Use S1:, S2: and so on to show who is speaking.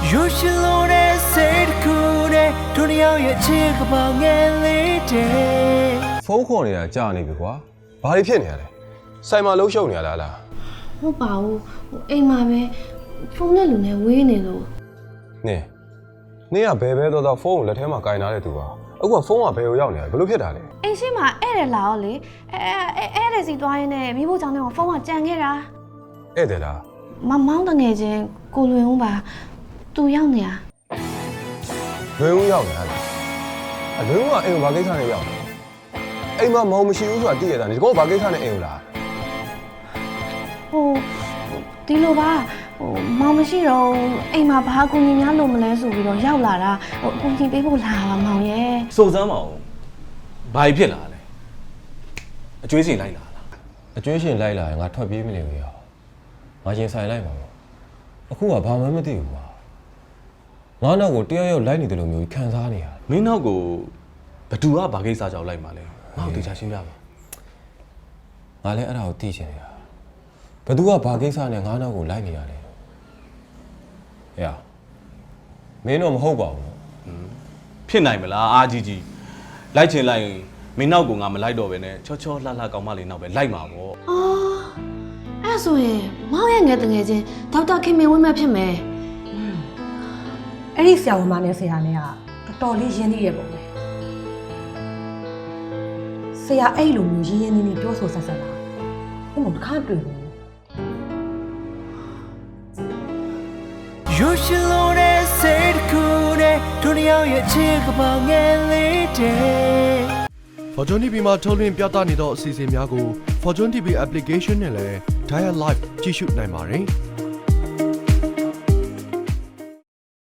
S1: You should know that said cool day တို့နှစ်ယောက်ရဲ့ချစ်ကပောင်ငယ်လေးတဲ့
S2: ဖုန်းခေါ်နေတာကြာနေပြီကွာဘာတွေဖြစ်နေရလဲဆိုင်မှာလှုပ်ရှုပ်နေရလား
S3: ဟုတ်ပါဘူးအိမ်မှာပဲဖုန်းနဲ့လူနဲ့ဝေးနေလို့
S2: နင်းကဘယ်တော့ဖုန်းကိုလက်ထဲမှာကင်ထားတဲ့သူပါအခုကဖုန်းကဘယ်ကိုရောက်နေလဲဘယ်လိုဖြစ်တာလဲ
S3: အိမ်ရှိမှာဧည့်တယ်လာတော့လေဧည့်တယ်စီသွားရင်းနဲ့မိဖို့ကြောင့်တော့ဖုန်းကကြံခဲ့တာ
S2: ဧည့်တယ်လား
S3: မောင်းတငယ်ချင်းကိုလွင်ဦးပါသူရောက်နေတာ
S2: လွင်ဦးရောက်နေလားအလွင်ဦးကအိမ်ကိုဘာကိစ္စနဲ့ရောက်လဲအိမ်မှာမောင်မရှိဘူးဆိုတာသိရတာဒီကောဘာကိစ္စနဲ့အိမ်ကိုလာ
S3: ဒီလိုပါမောင်မရှိတော့အိမ်မှာဘာကူညီများလို့မလဲဆိုပြီးတော့ရောက်လာတာအကူညီပေးဖို့လာပါမောင်ရဲ့
S4: စုံစမ်းပါဦးဘာဖြစ်လာလဲအကျွေးစင်လိုက်လာလား
S2: အကျွေးရှင်လိုက်လာရင်ငါထွက်ပြေးမနေဘူးရောငါရင်ဆိုင်လိုက်ပါတော့အခုကဘာမှမသိဘူးကွာငါနောက်ကိုတယောက်လိုက်နေတယ်လို့မျိုးခံစားနေရ
S4: မင်းနောက်ကိုဘသူကဘာကိစ္စကြောင့်လိုက်มาလဲငါ့ကိုတရားရှင်းပြပါ
S2: ငါလည်းအဲ့ဒါကိုသိချင်နေတာဘသူကဘာကိစ္စနဲ့ငါနောက်ကိုလိုက်နေရလဲဟဲ့မင်းတော့မဟုတ်ပါဘူး
S4: ဖြစ်နိုင်မလားအာကြီးကြီးလိုက်ချင်လိုက်မင်းနောက်ကိုငါမလိုက်တော့ပဲနဲ့ချောချောလှလှကောင်းမလေးနောက်ပဲလိုက်မှာပေါ့
S3: အဲ့ဆိုရင်မောင်ရဲ့ငယ်တငယ်ချင်းဒေါက်တာခင်မင်ဝင်းမဲ့ဖြစ်မယ်
S5: အဲ့ဒီဆရာဝန်မနဲ့ဆရာနဲ့ကတော်တော်လေးရင်းနှီးရပုံပဲဆရာအဲ့လိုမျိုးရင်းနှီးပြောဆိုဆက်ဆက်လာဘုံတခါတွေ့ဘူး
S1: You should know that said cool day တို့နှစ်ယောက်ရဲ့ချစ်ကပောင်ငယ်လေးတဲ့
S6: Fortune TV မှာထုတ်လွှင့်ပြသနေသောအစီအစဉ်များကို Fortune TV application နဲ့လည်း Dial Live ကြည့်ရှုနိုင်ပါတယ်။